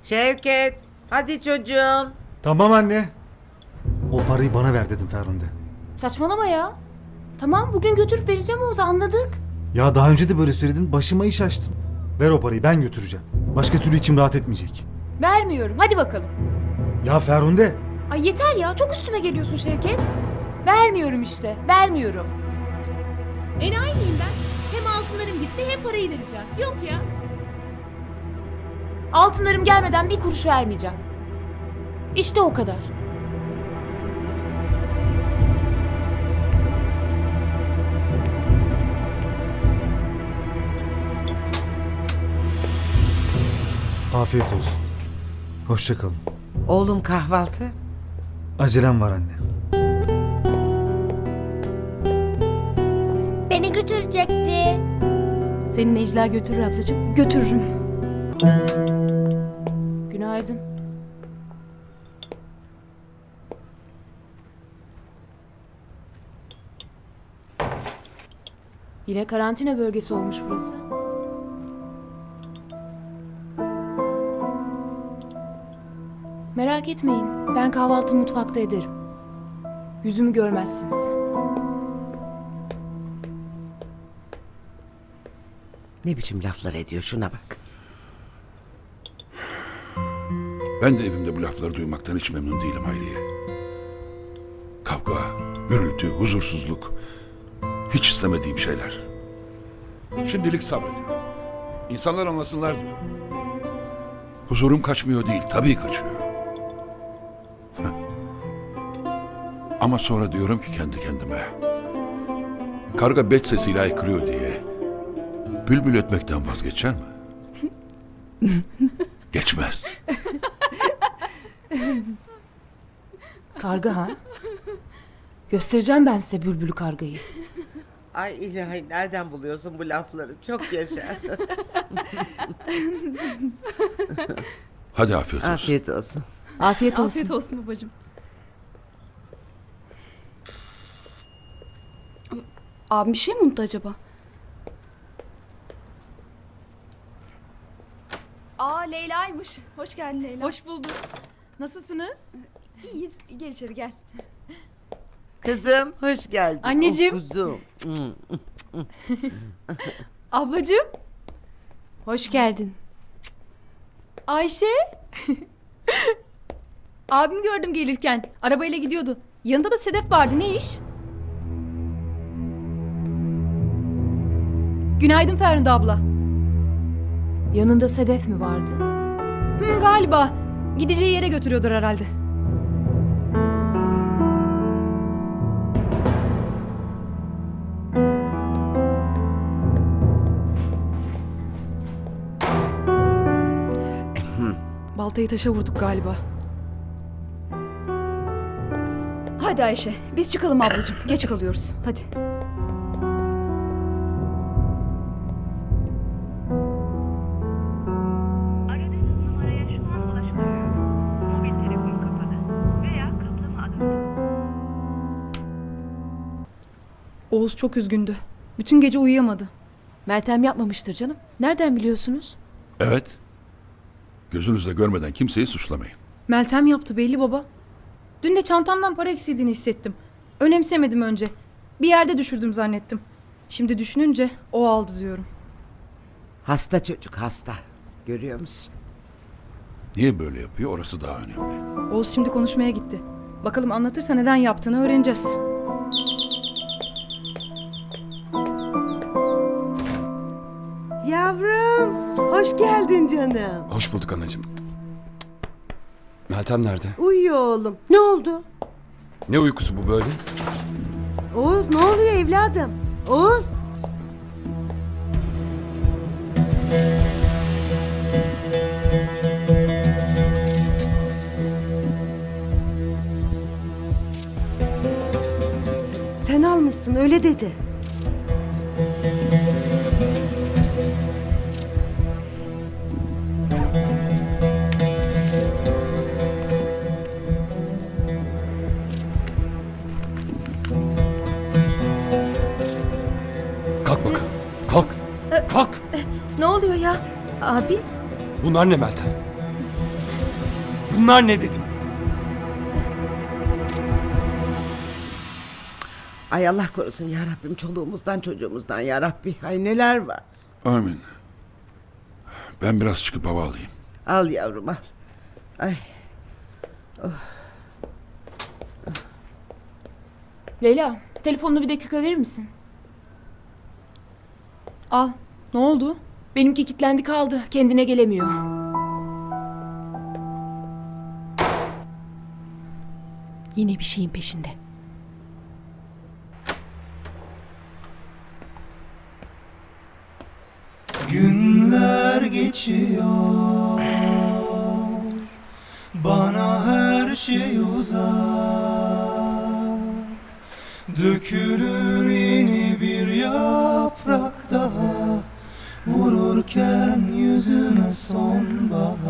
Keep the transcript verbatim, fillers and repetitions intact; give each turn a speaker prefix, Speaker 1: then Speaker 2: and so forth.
Speaker 1: Şevket, hadi çocuğum.
Speaker 2: Tamam anne. O parayı bana ver dedim Ferhunde.
Speaker 3: Saçmalama ya. Tamam bugün götürüp vereceğim Oğuz'a, anladık.
Speaker 2: Ya daha önce de böyle söyledin, başıma iş açtın. Ver o parayı, ben götüreceğim. Başka türlü içim rahat etmeyecek.
Speaker 3: Vermiyorum, hadi bakalım.
Speaker 2: Ya Ferhunde.
Speaker 3: Ay yeter ya, çok üstüme geliyorsun Şevket. Vermiyorum işte, vermiyorum. Enayi miyim ben? Hem altınlarım gitti hem parayı vereceğim. Yok ya. Altınlarım gelmeden bir kuruş vermeyeceğim. İşte o kadar.
Speaker 2: Afiyet olsun. Hoşça kalın.
Speaker 1: Oğlum kahvaltı.
Speaker 2: Acelem var anne.
Speaker 4: Beni götürecekti.
Speaker 5: Seni Necla götürür ablacığım.
Speaker 3: Götürürüm. Günaydın. Yine karantina bölgesi olmuş burası. Merak etmeyin, ben kahvaltı mutfakta ederim. Yüzümü görmezsiniz.
Speaker 1: Ne biçim laflar ediyor, şuna bak.
Speaker 6: Ben de evimde bu lafları duymaktan hiç memnun değilim Hayriye. Kavga, gürültü, huzursuzluk. Hiç istemediğim şeyler. Şimdilik sabrediyorum. İnsanlar anlasınlar diyorum. Huzurum kaçmıyor değil, tabii kaçıyor. Ama sonra diyorum ki kendi kendime. Karga bet sesiyle haykırıyor diye bülbül ötmekten vazgeçer mi? Geçmez.
Speaker 3: Karga ha? Göstereceğim ben size bülbülü kargayı.
Speaker 1: Ay ilahi, nereden buluyorsun bu lafları? Çok yaşa.
Speaker 6: Hadi afiyet olsun.
Speaker 1: Afiyet olsun.
Speaker 5: Afiyet olsun.
Speaker 7: Afiyet olsun babacığım. Abim bir şey mi unuttu acaba? Aa Leyla'ymış. Hoş geldin Leyla.
Speaker 3: Hoş bulduk. Nasılsınız?
Speaker 7: İyiyiz. Gel içeri gel.
Speaker 1: Kızım, hoş geldin.
Speaker 3: Anneciğim.
Speaker 1: Oh, kuzum.
Speaker 3: Ablacığım.
Speaker 5: Hoş geldin.
Speaker 3: Ayşe.
Speaker 7: Abimi gördüm gelirken. Arabayla gidiyordu. Yanında da Sedef vardı. Ne iş? Günaydın Ferhunde abla.
Speaker 3: Yanında Sedef mi vardı?
Speaker 7: Hı, galiba. Gideceği yere götürüyordur herhalde. Baltayı taşa vurduk galiba. Hadi Ayşe, biz çıkalım ablacığım. Geç kalıyoruz. Hadi.
Speaker 8: Aradığınız numaraya şu an ulaşılamıyor. Mobil telefon kapalı veya kaplama adı.
Speaker 7: Oğuz çok üzgündü. Bütün gece uyuyamadı.
Speaker 5: Meltem yapmamıştır canım. Nereden biliyorsunuz?
Speaker 6: Evet. Gözünüzle görmeden kimseyi suçlamayın.
Speaker 7: Meltem yaptı belli baba. Dün de çantamdan para eksildiğini hissettim. Önemsemedim önce. Bir yerde düşürdüm zannettim. Şimdi düşününce o aldı diyorum.
Speaker 1: Hasta çocuk, hasta. Görüyor musun?
Speaker 6: Niye böyle yapıyor orası daha önemli.
Speaker 7: Oğuz şimdi konuşmaya gitti. Bakalım anlatırsa neden yaptığını öğreneceğiz.
Speaker 9: Yavrum, hoş geldin canım.
Speaker 10: Hoş bulduk anacığım. Meltem nerede?
Speaker 9: Uyuyor oğlum. Ne oldu?
Speaker 10: Ne uykusu bu böyle?
Speaker 9: Oğuz ne oluyor evladım? Oğuz. Sen almışsın öyle dedi.
Speaker 10: Kalk bakalım. Kalk. Kalk.
Speaker 5: Ne oluyor ya? Abi?
Speaker 10: Bunlar ne Meltem?
Speaker 4: Bunlar ne dedim?
Speaker 1: Ay Allah korusun ya Rabbim, çoluğumuzdan çocuğumuzdan ya Rabbi. Ay neler var.
Speaker 6: Amin. Ben biraz çıkıp hava alayım.
Speaker 1: Al yavrum al. Ay.
Speaker 3: Leyla, telefonunu bir dakika verir misin?
Speaker 7: Al. Ne oldu?
Speaker 3: Benimki kilitlendi kaldı. Kendine gelemiyor.
Speaker 5: Yine bir şeyin peşinde.
Speaker 4: Günler geçiyor, bana her şey uzak. Dökülür yeni bir yaprak daha, vururken yüzüme sonbahar.